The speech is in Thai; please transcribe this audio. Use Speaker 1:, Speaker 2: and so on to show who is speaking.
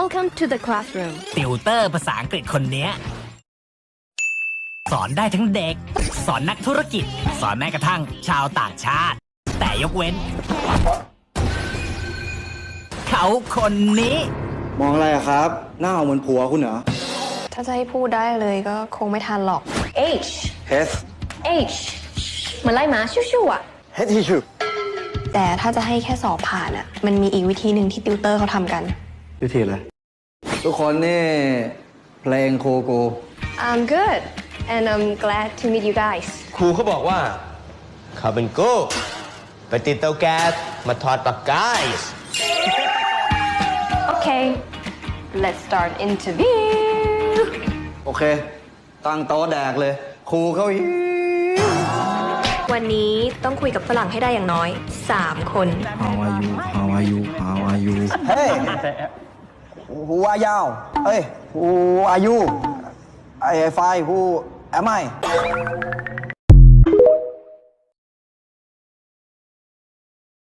Speaker 1: Welcome to the classroom
Speaker 2: ติวเตอร์ภาษาอังกฤษคนเนี้ยสอนได้ทั้งเด็ก สอนนักธุรกิจ สอนแม้กระทั่งชาวต่างชาติ แต่ยกเว้น เขาคนนี้
Speaker 3: มองอะไรอะครับ หน้าเหมือนผัวคุณเหรอ
Speaker 4: ถ้าจะให้พูดได้เลยก็คงไม่ทันหรอก H
Speaker 3: H
Speaker 4: H เหมือนไล่หมาชิวๆอ่ะ
Speaker 3: H ที่ชื่อ
Speaker 4: แต่ถ้าจะให้แค่สอบผ่านอ่ะ มันมีอีกวิธีหนึ่งที่ติวเตอร์เขาทำกัน
Speaker 3: วิธีอะไรทุกคนนี่เพลงโคโก
Speaker 4: I'm good and I'm glad to meet you guys
Speaker 5: ครูเขาบอกว่าเขาเป็นโก้ไปติดเตาแก๊สมาทอดปลากาย
Speaker 4: Okay let's start interview
Speaker 3: โอเค ตั้งโต๊ะแดกเลย ครูเขาหิว
Speaker 4: วันนี้ต้องคุยกับฝรั่งให้ได้อย่างน้อย 3 คน
Speaker 3: How are you How are you How are you Hey Who are you เอ้ย Who are you I find Who am I